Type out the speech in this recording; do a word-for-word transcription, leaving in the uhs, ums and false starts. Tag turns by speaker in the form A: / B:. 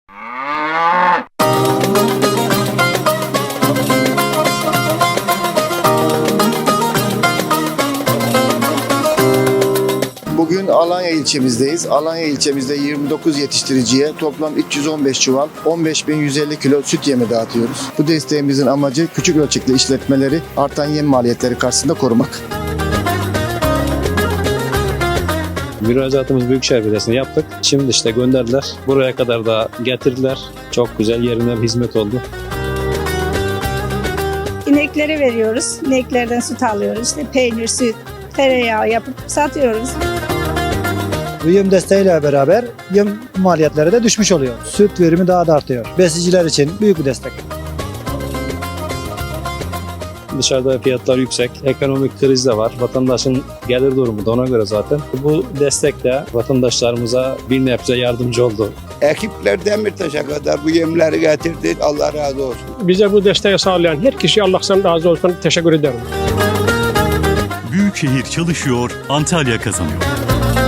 A: Bugün Alanya ilçemizdeyiz. Alanya ilçemizde yirmi dokuz yetiştiriciye toplam üç yüz on beş çuval on beş bin yüz elli kilo süt yemi dağıtıyoruz. Bu desteğimizin amacı küçük ölçekli işletmeleri artan yem maliyetleri karşısında korumak.
B: Müracaatımız Büyükşehir Belediyesi'ne yaptık. Şimdi işte gönderdiler. Buraya kadar da getirdiler. Çok güzel yerine bir hizmet oldu.
C: İneklere veriyoruz. İneklerden süt alıyoruz. İşte peynir, süt, tereyağı yapıp satıyoruz.
D: Bu yem desteğiyle beraber yem maliyetleri de düşmüş oluyor. Süt verimi daha da artıyor. Besiciler için büyük bir destek.
B: Dışarıda fiyatlar yüksek. Ekonomik kriz de var. Vatandaşın gelir durumu da ona göre zaten. Bu destek de vatandaşlarımıza bir nebze yardımcı oldu.
E: Ekipler Demirtaş'a kadar bu yemleri getirdi. Allah razı olsun.
F: Bize bu desteği sağlayan her kişiye Allah'tan razı olsun. Teşekkür ederim.
G: Büyükşehir çalışıyor, Antalya kazanıyor.